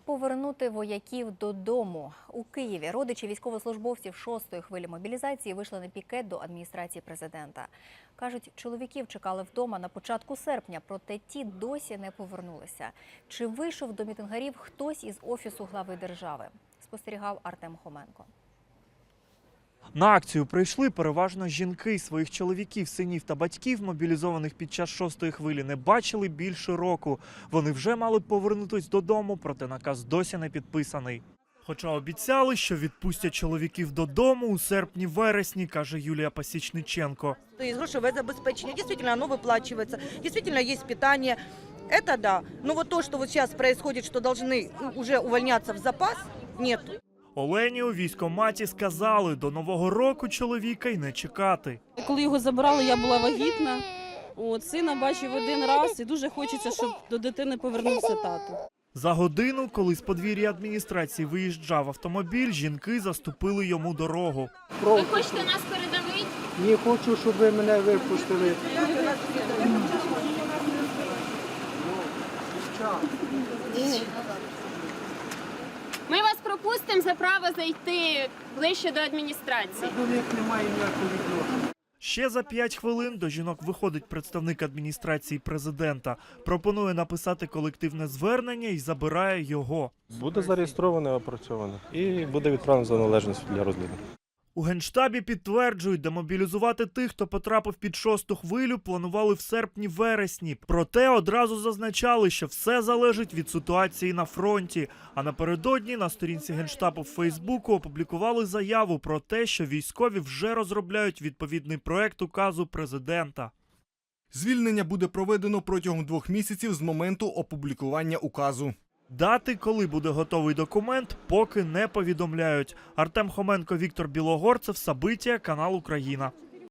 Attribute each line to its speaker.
Speaker 1: Повернути вояків додому. У Києві родичі військовослужбовців 6-ї хвилі мобілізації вийшли на пікет до адміністрації президента. Кажуть, чоловіків чекали вдома на початку серпня, проте ті досі не повернулися. Чи вийшов до мітингарів хтось із Офісу глави держави? Спостерігав Артем Хоменко.
Speaker 2: На акцію прийшли переважно жінки. Своїх чоловіків, синів та батьків, мобілізованих під час 6-ї хвилі, не бачили більше року. Вони вже мали б повернутись додому, проте наказ досі не підписаний. Хоча обіцяли, що відпустять чоловіків додому у серпні-вересні, каже Юлія Пасічниченко.
Speaker 3: Есть грошевое забеспечение, действительно оно выплачивается, действительно есть питание. Это да. Но вот то, что вот сейчас происходит, что должны уже увольняться в запас, нет.
Speaker 2: Олені у військкоматі сказали, до Нового року чоловіка й не чекати.
Speaker 4: Коли його забирали, я була вагітна. Сина бачив один раз і дуже хочеться, щоб до дитини повернувся тато.
Speaker 2: За годину, коли з подвір'я адміністрації виїжджав автомобіль, жінки заступили йому дорогу.
Speaker 5: Ви хочете нас передавити?
Speaker 6: Не хочу, щоб ви мене випустили.
Speaker 5: Ми вас пропустимо за право зайти ближче до адміністрації.
Speaker 6: До них немає ніякого відношення.
Speaker 2: Ще за 5 хвилин до жінок виходить представник адміністрації президента. Пропонує написати колективне звернення і забирає його.
Speaker 7: Буде зареєстроване, опрацьоване і буде відправлено за належність для розгляду.
Speaker 2: У Генштабі підтверджують, демобілізувати тих, хто потрапив під 6-ту хвилю, планували в серпні-вересні. Проте одразу зазначали, що все залежить від ситуації на фронті. А напередодні на сторінці Генштабу в Фейсбуку опублікували заяву про те, що військові вже розробляють відповідний проект указу президента.
Speaker 8: Звільнення буде проведено протягом 2 місяців з моменту опублікування указу.
Speaker 2: Дати, коли буде готовий документ, поки не повідомляють. Артем Хоменко, Віктор Білогорцев, Сабиття, канал Україна.